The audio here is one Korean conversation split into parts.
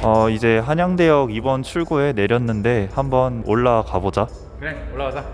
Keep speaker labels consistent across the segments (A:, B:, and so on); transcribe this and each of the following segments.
A: 이제 한양대역 2번 출구에 내렸는데 한번 올라가 보자.
B: 그래, 올라가자.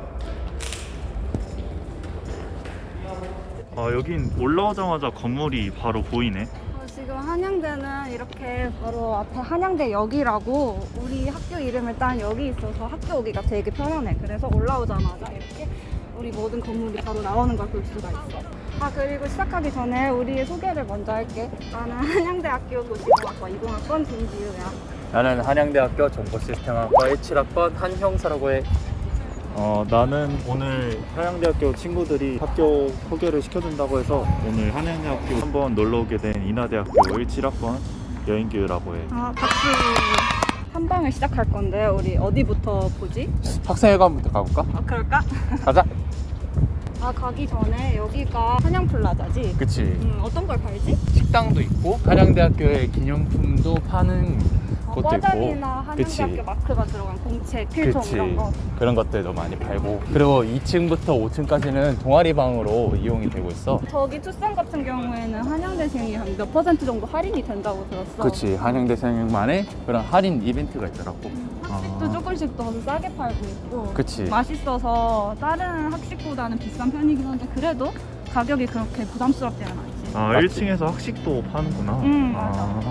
A: 여긴 올라오자마자 건물이 바로 보이네.
C: 지금 한양대는 이렇게 바로 앞에 한양대역이라고 우리 학교 이름을 딴 역이 있어서 학교 오기가 되게 편하네. 그래서 올라오자마자 이렇게 우리 모든 건물이 바로 나오는 걸 볼 수가 있어. 그리고 시작하기 전에 우리의 소개를 먼저 할게. 나는 한양대학교 도시공학과 20학번 김지우야.
B: 나는 한양대학교 정보시스템학과 17학번 한형사라고 해.
A: 나는 오늘 한양대학교 친구들이 학교 소개를 시켜준다고 해서 오늘 한양대학교 한번 놀러 오게 된 인하대학교 17학번 여인규라고 해.
C: 박수. 탐방을 시작할 건데 우리 어디부터 보지?
B: 학생회관부터 가볼까?
C: 그럴까?
B: 가자.
C: 가기 전에 여기가 한양플라자지?
B: 그치.
C: 어떤 걸 팔지?
B: 식당도 있고 한양대학교의 기념품도 파는 곳도
C: 과장이나
B: 있고. 그치.
C: 한양대학교 마크가 들어간 공책, 필통
B: 그치.
C: 이런 거.
B: 그런 것들도 많이 팔고, 그리고 2층부터 5층까지는 동아리방으로 이용이 되고 있어.
C: 저기 투썸 같은 경우에는 한양대생이 한 몇 % 정도 할인이 된다고 들었어.
B: 그치. 한양대생만의 그런 할인 이벤트가 있더라고.
C: 학식도 조금씩 더 싸게 팔고 있고.
B: 그치.
C: 맛있어서 다른 학식보다는 비싼 편이긴 한데 그래도 가격이 그렇게 부담스럽지는 않지.
A: 1층에서 학식도 파는구나.
C: 맞아.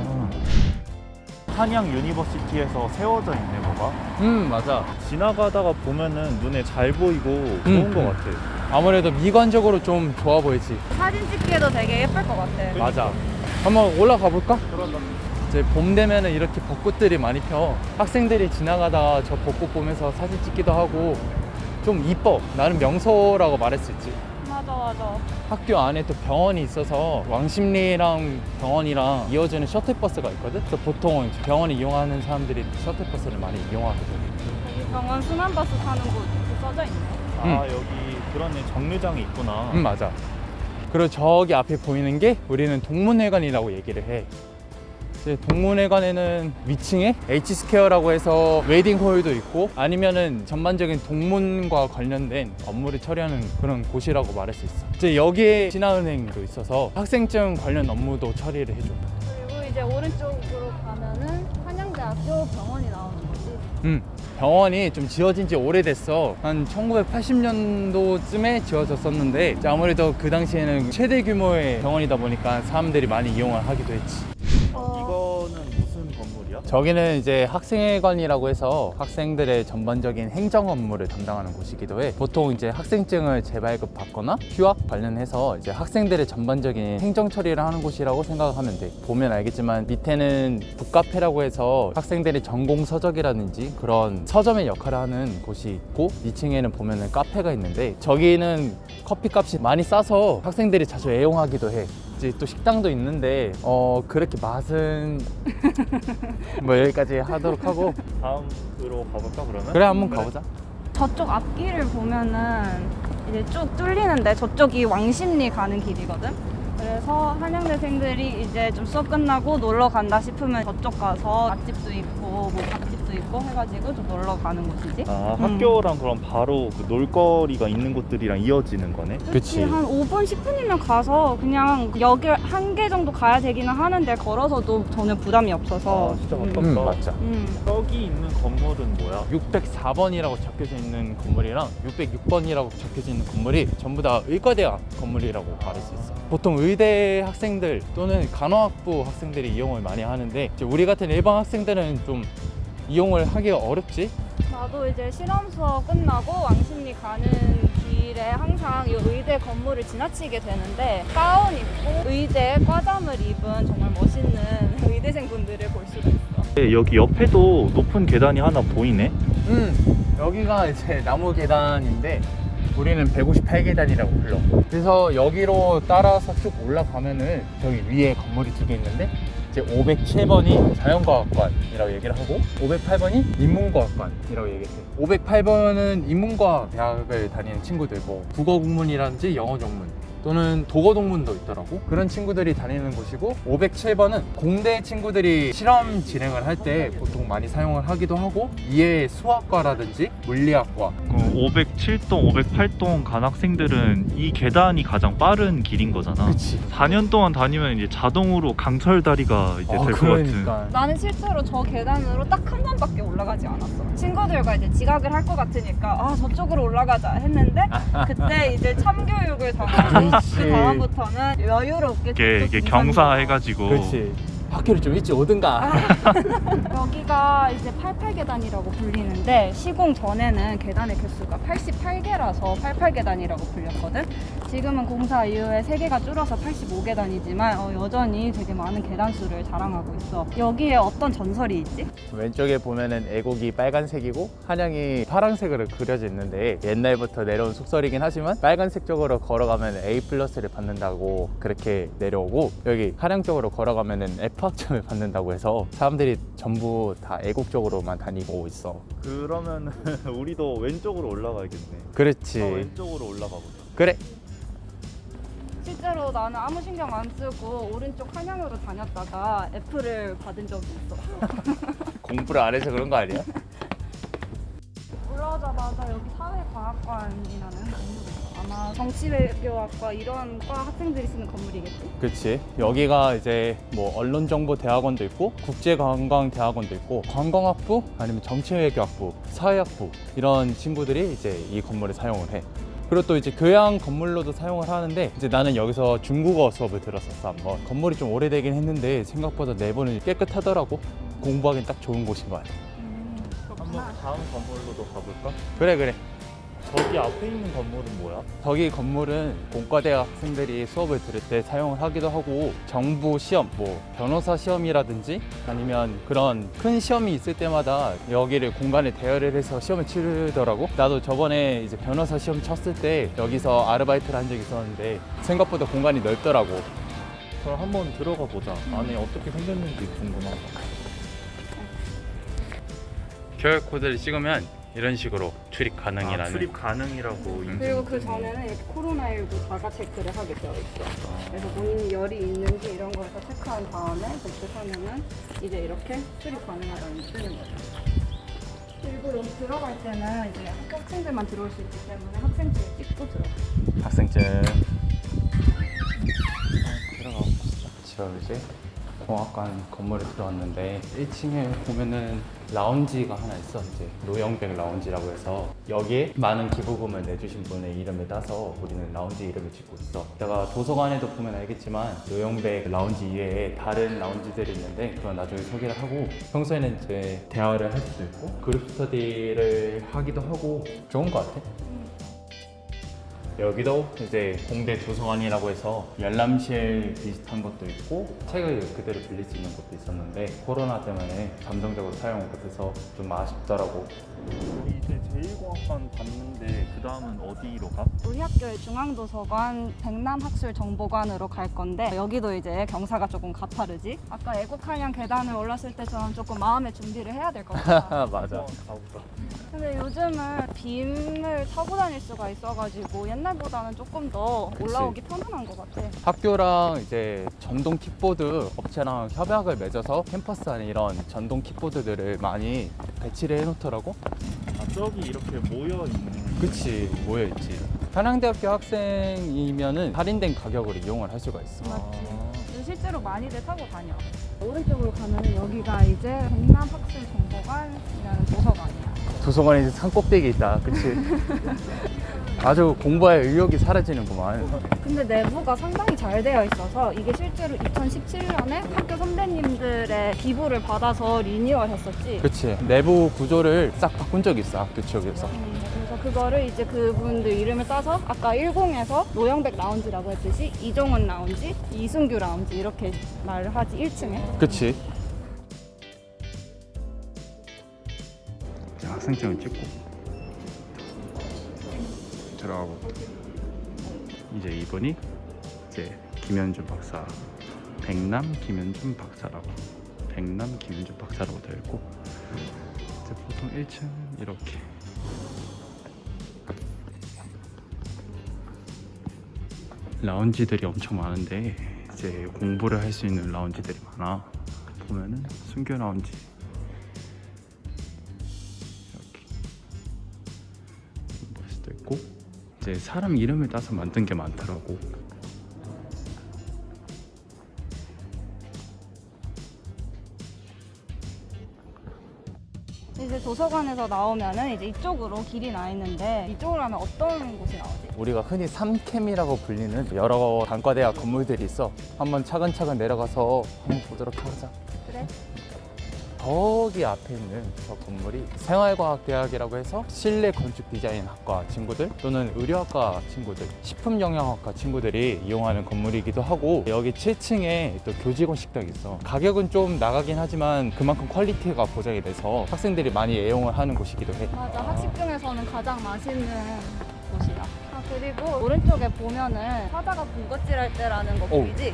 A: 한양 유니버시티에서 세워져 있네, 뭐가.
B: 맞아.
A: 지나가다가 보면은 눈에 잘 보이고 좋은 것 같아.
B: 아무래도 미관적으로 좀 좋아 보이지.
C: 사진 찍기에도 되게 예쁠 것 같아.
B: 맞아. 한번 올라가 볼까? 이제 봄 되면은 이렇게 벚꽃들이 많이 펴. 학생들이 지나가다가 저 벚꽃 보면서 사진 찍기도 하고 좀 이뻐. 나는 명소라고 말할 수 있지.
C: 맞아.
B: 학교 안에 또 병원이 있어서 왕십리랑 병원이랑 이어지는 셔틀버스가 있거든. 그래서 보통 병원을 이용하는 사람들이 셔틀버스를 많이 이용하거든.
C: 여기 병원 순환버스 타는 곳 이렇게 써져 있네.
A: 여기 그러네. 정류장이 있구나.
B: 맞아. 그리고 저기 앞에 보이는 게 우리는 동문회관이라고 얘기를 해. 이제 동문회관에는 위층에 H스퀘어라고 해서 웨딩홀도 있고 아니면은 전반적인 동문과 관련된 업무를 처리하는 그런 곳이라고 말할 수 있어. 이제 여기에 신한은행도 있어서 학생증 관련 업무도 처리를 해줘.
C: 그리고 이제 오른쪽으로 가면은 한양대학교 병원이 나오는 거지.
B: 병원이 좀 지어진 지 오래됐어. 한 1980년도쯤에 지어졌었는데 이제 아무래도 그 당시에는 최대 규모의 병원이다 보니까 사람들이 많이 이용을 하기도 했지.
A: 이거는 무슨 건물이야?
B: 저기는 이제 학생회관이라고 해서 학생들의 전반적인 행정 업무를 담당하는 곳이기도 해. 보통 이제 학생증을 재발급 받거나 휴학 관련해서 이제 학생들의 전반적인 행정 처리를 하는 곳이라고 생각하면 돼. 보면 알겠지만 밑에는 북카페라고 해서 학생들의 전공 서적이라든지 그런 서점의 역할을 하는 곳이 있고 2층에는 보면은 카페가 있는데 저기는 커피 값이 많이 싸서 학생들이 자주 애용하기도 해. 이제 또 식당도 있는데 그렇게 맛은 뭐 여기까지 하도록 하고
A: 다음으로 가볼까 그러면?
B: 그래 한번 가보자.
C: 저쪽 앞길을 보면은 이제 쭉 뚫리는데 저쪽이 왕십리 가는 길이거든. 그래서 한양대생들이 이제 좀 수업 끝나고 놀러 간다 싶으면 저쪽 가서 맛집도 있고 뭐 밥집도 있고 해가지고 좀 놀러 가는 곳이지.
A: 학교랑 그럼 바로 그 놀거리가 있는 곳들이랑 이어지는 거네?
B: 그치.
C: 한 5분 10분이면 가서 그냥 여길 한 개 정도 가야 되기는 하는데 걸어서도 전혀 부담이 없어서.
A: 진짜 가깝다.
B: 맞자.
A: 여기 있는 건물은 뭐야?
B: 604번이라고 적혀져 있는 건물이랑 606번이라고 적혀져 있는 건물이 전부 다 의과대학 건물이라고 말할 수 있어. 보통 의대 학생들 또는 간호학부 학생들이 이용을 많이 하는데 이제 우리 같은 일반 학생들은 좀 이용을 하기가 어렵지.
C: 나도 이제 실험 수업 끝나고 왕십리 가는 길에 항상 이 의대 건물을 지나치게 되는데 가운 입고 의대 과잠을 입은 정말 멋있는 의대생분들을 볼 수가 있어.
A: 여기 옆에도 높은 계단이 하나 보이네?
B: 여기가 이제 나무 계단인데 우리는 158계단이라고 불러. 그래서 여기로 따라서 쭉 올라가면은 저기 위에 건물이 두 개 있는데 이제 507번이 자연과학관이라고 얘기를 하고 508번이 인문과학관이라고 얘기해. 508번은 인문과학 대학을 다니는 친구들, 뭐 국어 국문이라든지 영어 전문 또는 도거동문도 있더라고. 그런 친구들이 다니는 곳이고 507번은 공대 친구들이 실험 진행을 할 때 보통 많이 사용을 하기도 하고 이외에 수학과라든지 물리학과
A: 507동, 508동 간 학생들은 이 계단이 가장 빠른 길인 거잖아.
B: 그치.
A: 4년 동안 다니면 이제 자동으로 강철 다리가 이제 될 것 같은.
C: 나는 실제로 저 계단으로 딱 한 번밖에 올라가지 않았어. 친구들과 이제 지각을 할 것 같으니까 아 저쪽으로 올라가자 했는데 그때 이제 참교육을 당하고
B: 그렇지.
C: 그 다음부터는 여유롭게
A: 이게 경사해가지고.
B: 그렇지. 학교를 좀 일찍 오든가.
C: 여기가 이제 88계단이라고 불리는데 시공 전에는 계단의 개수가 88개라서 88계단이라고 불렸거든. 지금은 공사 이후에 3개가 줄어서 85계단이지만 여전히 되게 많은 계단 수를 자랑하고 있어. 여기에 어떤 전설이 있지?
B: 왼쪽에 보면은 애국이 빨간색이고 한양이 파란색으로 그려져 있는데 옛날부터 내려온 속설이긴 하지만 빨간색 쪽으로 걸어가면 A+를 받는다고 그렇게 내려오고 여기 한양 쪽으로 걸어가면은 F학점을 받는다고 해서 사람들이 전부 다 애국 쪽으로만 다니고 있어.
A: 그러면 우리도 왼쪽으로 올라가야겠네.
B: 그렇지.
A: 왼쪽으로 올라가보자.
B: 그래.
C: 실제로 나는 아무 신경 안 쓰고 오른쪽 한양으로 다녔다가 F를 받은 적이 있어.
B: 공부를 안 해서 그런 거 아니야?
C: 올라오자마자 여기 사회과학관이라는 건물이 있어. 아마 정치외교학과 이런 과 학생들이 쓰는 건물이겠지?
B: 그렇지. 여기가 이제 뭐 언론정보대학원도 있고 국제관광대학원도 있고 관광학부 아니면 정치외교학부, 사회학부 이런 친구들이 이제 이 건물을 사용을 해. 그리고 또 이제 교양 건물로도 사용을 하는데 이제 나는 여기서 중국어 수업을 들었었어 한번. 건물이 좀 오래되긴 했는데 생각보다 내부는 깨끗하더라고. 공부하기엔 딱 좋은 곳인 것 같아.
A: 한번 다음 건물로도 가볼까?
B: 그래.
A: 저기 앞에 있는 건물은 뭐야?
B: 저기 건물은 공과대학 학생들이 수업을 들을 때 사용을 하기도 하고 정부 시험, 뭐 변호사 시험이라든지 아니면 그런 큰 시험이 있을 때마다 여기를 공간에 대여를 해서 시험을 치르더라고. 나도 저번에 이제 변호사 시험 쳤을 때 여기서 아르바이트를 한 적이 있었는데 생각보다 공간이 넓더라고.
A: 그럼 한번 들어가 보자. 안에 어떻게 생겼는지 궁금하다.
B: QR 코드를 찍으면 이런 식으로 출입 가능이라는.
A: 출입 가능이라고 인증.
C: 그리고 그 전에는 이렇게 코로나19 자가 체크를 하게 되어 있어. 그래서 본인이 열이 있는지 이런 거에서 체크한 다음에 복습하면은 이제 이렇게 출입 가능하다는 게 뜨는 거죠. 그리고 여기 들어갈 때는 이제 학생들만 들어올 수 있기 때문에 학생증 찍고 들어가.
B: 학생증. 들어가 봅시다. 지금 이제 공학관 건물에 들어왔는데 1층에 보면은 라운지가 하나 있어. 이제 노영백 라운지라고 해서 여기에 많은 기부금을 내주신 분의 이름을 따서 우리는 라운지 이름을 짓고 있어. 내가 도서관에도 보면 알겠지만 노영백 라운지 이외에 다른 라운지들이 있는데 그건 나중에 소개를 하고 평소에는 이제 대화를 할 수도 있고 그룹 스터디를 하기도 하고 좋은 것 같아. 여기도 이제 공대 도서관이라고 해서 열람실 비슷한 것도 있고 책을 그대로 빌릴 수 있는 것도 있었는데 코로나 때문에 잠정적으로 사용을 못해서 좀 아쉽더라고.
A: 이제 제1공학관 봤는데 그 다음은 어디로 가?
C: 우리 학교의 중앙도서관 백남학술정보관으로 갈 건데 여기도 이제 경사가 조금 가파르지? 아까 애국한양 계단을 올랐을 때처럼 조금 마음의 준비를 해야 될 것 같아.
B: 맞아.
A: 가보자.
C: 근데 요즘은 빔을 타고 다닐 수가 있어가지고 옛날보다는 조금 더 올라오기 편안한 것 같아.
B: 학교랑 이제 전동 킥보드 업체랑 협약을 맺어서 캠퍼스 안에 이런 전동 킥보드들을 많이 배치를 해놓더라고.
A: 아, 저기 이렇게 모여 있는.
B: 그치, 모여있지. 한양대학교 학생이면은 할인된 가격으로 이용을 할 수가 있어.
C: 근데 실제로 많이들 타고 다녀. 오른쪽으로 가면 여기가 이제 백남학술정보관이라는 도서관이야.
B: 도서관에 이제 산 꼭대기에 있다. 그치? 아주 공부할 의욕이 사라지는구만.
C: 근데 내부가 상당히 잘 되어 있어서 이게 실제로 2017년에 학교 선배님들의 기부를 받아서 리뉴얼 했었지.
B: 그치. 내부 구조를 싹 바꾼 적이 있어, 학교 측에서.
C: 그래서 그거를 이제 그분들 이름을 따서 아까 10에서 노영백 라운지라고 했듯이 이종훈 라운지, 이순규 라운지 이렇게 말을 하지 1층에.
B: 그치. 자, 학생증을 찍고 들어가고 이제 이분이 이제 김현준 박사, 백남 김현준 박사라고 되어 있고 이제 보통 1층 이렇게 라운지들이 엄청 많은데 이제 공부를 할 수 있는 라운지들이 많아. 보면은 순교 라운지 이렇게 볼 수도 있고, 이제 사람 이름을 따서 만든 게 많더라고.
C: 이제 도서관에서 나오면은 이제 이쪽으로 길이 나 있는데 이쪽으로 가면 어떤 곳이 나오지?
B: 우리가 흔히 삼캠이라고 불리는 여러 단과대학 건물들이 있어. 한번 차근차근 내려가서 한번 보도록 하자.
C: 그래?
B: 저기 앞에 있는 저 건물이 생활과학대학이라고 해서 실내 건축 디자인 학과 친구들 또는 의료학과 친구들, 식품영양학과 친구들이 이용하는 건물이기도 하고, 여기 7층에 또 교직원 식당이 있어. 가격은 좀 나가긴 하지만 그만큼 퀄리티가 보장이 돼서 학생들이 많이 애용을 하는 곳이기도 해.
C: 맞아, 학식 중에서는 가장 맛있는 곳이야. 아, 그리고 오른쪽에 보면은 사자가 군것질할 때라는 거
B: 오.
C: 보이지?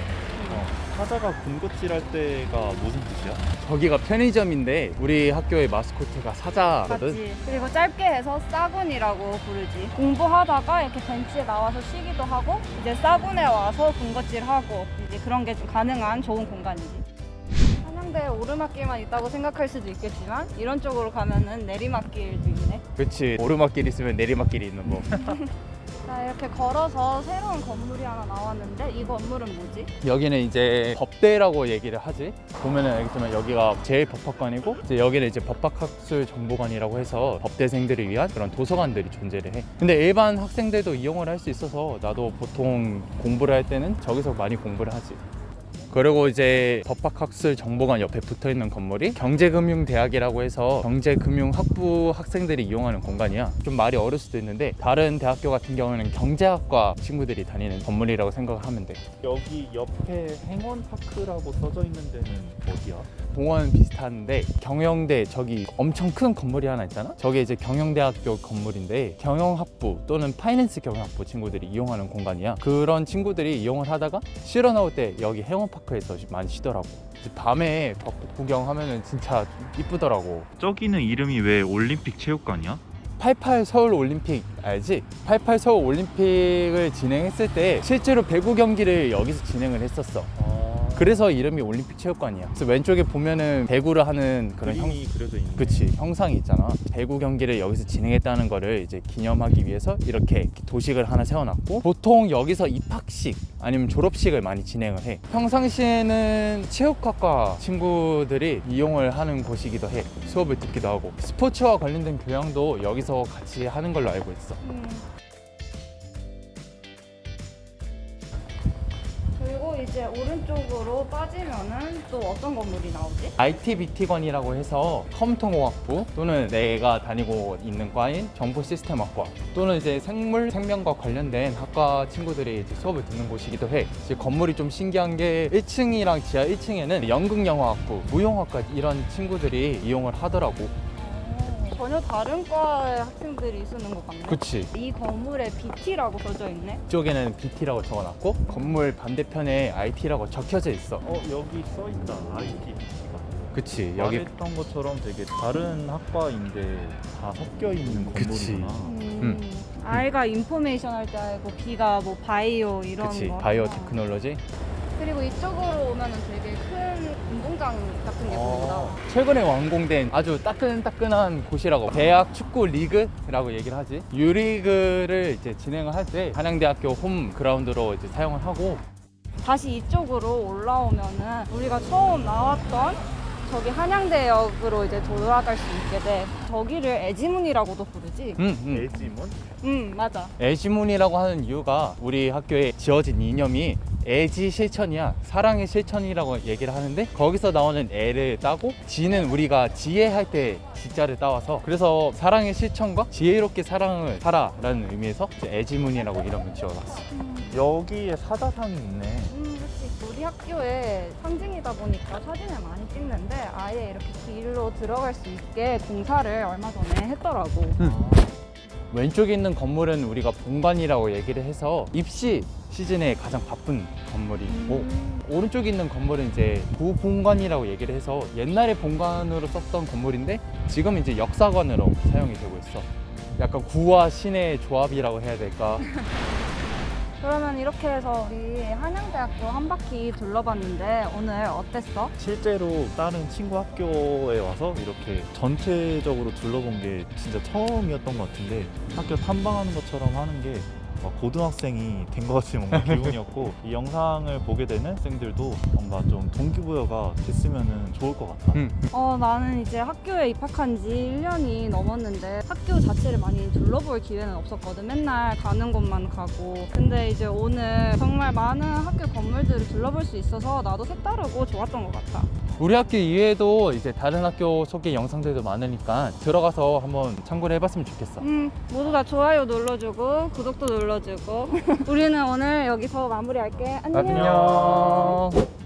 A: 사자가 군것질할 때가 무슨 뜻이야?
B: 저기가 편의점인데 우리 학교의 마스코트가 사자거든.
C: 맞지. 그리고 짧게 해서 싸군이라고 부르지. 공부하다가 이렇게 벤치에 나와서 쉬기도 하고 이제 싸군에 와서 군것질하고 이제 그런 게 좀 가능한 좋은 공간이지. 한양대에 오르막길만 있다고 생각할 수도 있겠지만 이런 쪽으로 가면은 내리막길도 있네.
B: 그치, 오르막길 있으면 내리막길이 있는 거.
C: 자, 이렇게 걸어서 새로운 건물이 하나 나왔는데 이 건물은 뭐지?
B: 여기는 이제 법대라고 얘기를 하지. 보면은 알겠지만 여기가 제1법학관이고, 이제 여기는 이제 법학학술 정보관이라고 해서 법대생들을 위한 그런 도서관들이 존재를 해. 근데 일반 학생들도 이용을 할 수 있어서 나도 보통 공부를 할 때는 저기서 많이 공부를 하지. 그리고 이제 법학학술 정보관 옆에 붙어있는 건물이 경제금융대학이라고 해서 경제금융학부 학생들이 이용하는 공간이야. 좀 말이 어려울 수도 있는데 다른 대학교 같은 경우는 경제학과 친구들이 다니는 건물이라고 생각을 하면 돼.
A: 여기 옆에 행원파크라고 써져 있는 데는 어디야?
B: 공원 비슷한데 경영대 저기 엄청 큰 건물이 하나 있잖아? 저게 이제 경영대학교 건물인데 경영학부 또는 파이낸스 경영학부 친구들이 이용하는 공간이야. 그런 친구들이 이용을 하다가 쉬러 나올 때 여기 행원파크에서 많이 쉬더라고. 이제 밤에 벚꽃 구경하면은 진짜 이쁘더라고.
A: 저기는 이름이 왜 올림픽 체육관이야?
B: 88 서울 올림픽 알지? 88 서울 올림픽을 진행했을 때 실제로 배구 경기를 여기서 진행을 했었어. 그래서 이름이 올림픽 체육관이야. 그래서 왼쪽에 보면은 배구를 하는 그런
A: 그림이 그려져 있네.
B: 그치, 형상이 있잖아. 배구 경기를 여기서 진행했다는 거를 이제 기념하기 위해서 이렇게 도식을 하나 세워놨고, 보통 여기서 입학식 아니면 졸업식을 많이 진행을 해. 평상시에는 체육학과 친구들이 이용을 하는 곳이기도 해. 수업을 듣기도 하고 스포츠와 관련된 교양도 여기서 같이 하는 걸로 알고 있어.
C: 그리고 이제 오른쪽으로 빠지면은 또 어떤 건물이 나오지?
B: ITBT관이라고 해서 컴퓨터공학부 또는 내가 다니고 있는 과인 정보시스템학과 또는 이제 생물 생명과 관련된 학과 친구들이 이제 수업을 듣는 곳이기도 해. 이제 건물이 좀 신기한 게 1층이랑 지하 1층에는 연극영화학부, 무용학과 이런 친구들이 이용을 하더라고.
C: 전혀 다른 과의 학생들이 쓰는 것 같네.
B: 그치.
C: 이 건물에 BT라고 써져 있네.
B: 이쪽에는 BT라고 적어놨고 건물 반대편에 IT라고 적혀져 있어.
A: 여기 써있다. ITBT가.
B: 그치. 여기
A: 말했던 것처럼 되게 다른 학과인데 다 섞여 있는
B: 그치.
A: 건물이구나.
C: I가 인포메이션 할 때 알고 B가 뭐 바이오 이런
B: 그치.
C: 거.
B: 바이오 테크놀로지.
C: 그리고 이쪽으로 오면은 되게 큰 운동장 같은 게 보인다.
B: 최근에 완공된 아주 따끈따끈한 곳이라고, 대학 축구 리그라고 얘기를 하지. 유리그를 이제 진행을 할 때 한양대학교 홈 그라운드로 이제 사용을 하고,
C: 다시 이쪽으로 올라오면은 우리가 처음 나왔던 저기 한양대역으로 이제 돌아갈 수 있게 돼. 저기를 애지문이라고도 부르지.
A: 애지문?
C: 맞아.
B: 애지문이라고 하는 이유가 우리 학교에 지어진 이념이 애지 실천이야. 사랑의 실천이라고 얘기를 하는데 거기서 나오는 애를 따고 지는 우리가 지혜할 때 지자를 따와서, 그래서 사랑의 실천과 지혜롭게 사랑을 하라라는 의미에서 이제 애지문이라고 이름을 지어놨어.
A: 여기에 사자상이 있네.
C: 그렇지. 우리 학교의 상징이다 보니까 사진을 많이 찍는데 아예 이렇게 길로 들어갈 수 있게 공사를 얼마 전에 했더라고.
B: 왼쪽에 있는 건물은 우리가 본관이라고 얘기를 해서 입시 시즌에 가장 바쁜 건물이고, 오른쪽에 있는 건물은 이제 부본관이라고 얘기를 해서 옛날에 본관으로 썼던 건물인데 지금 이제 역사관으로 사용이 되고 있어. 약간 구와 신의 조합이라고 해야 될까?
C: 그러면 이렇게 해서 우리 한양대학교 한 바퀴 둘러봤는데 오늘 어땠어?
A: 실제로 다른 친구 학교에 와서 이렇게 전체적으로 둘러본 게 진짜 처음이었던 것 같은데 학교 탐방하는 것처럼 하는 게 고등학생이 된 것 같은 뭔가 기분이었고 이 영상을 보게 되는 학생들도 뭔가 좀 동기부여가 됐으면 좋을 것 같다.
C: 나는 이제 학교에 입학한 지 1년이 넘었는데 학교 자체를 많이 둘러볼 기회는 없었거든. 맨날 가는 곳만 가고. 근데 이제 오늘 정말 많은 학교 건물들을 둘러볼 수 있어서 나도 색다르고 좋았던 것 같아.
B: 우리 학교 이외에도 이제 다른 학교 소개 영상들도 많으니까 들어가서 한번 참고를 해봤으면 좋겠어.
C: 모두 다 좋아요 눌러주고 구독도 눌러주고 우리는 오늘 여기서 마무리할게. 안녕.
B: 안녕.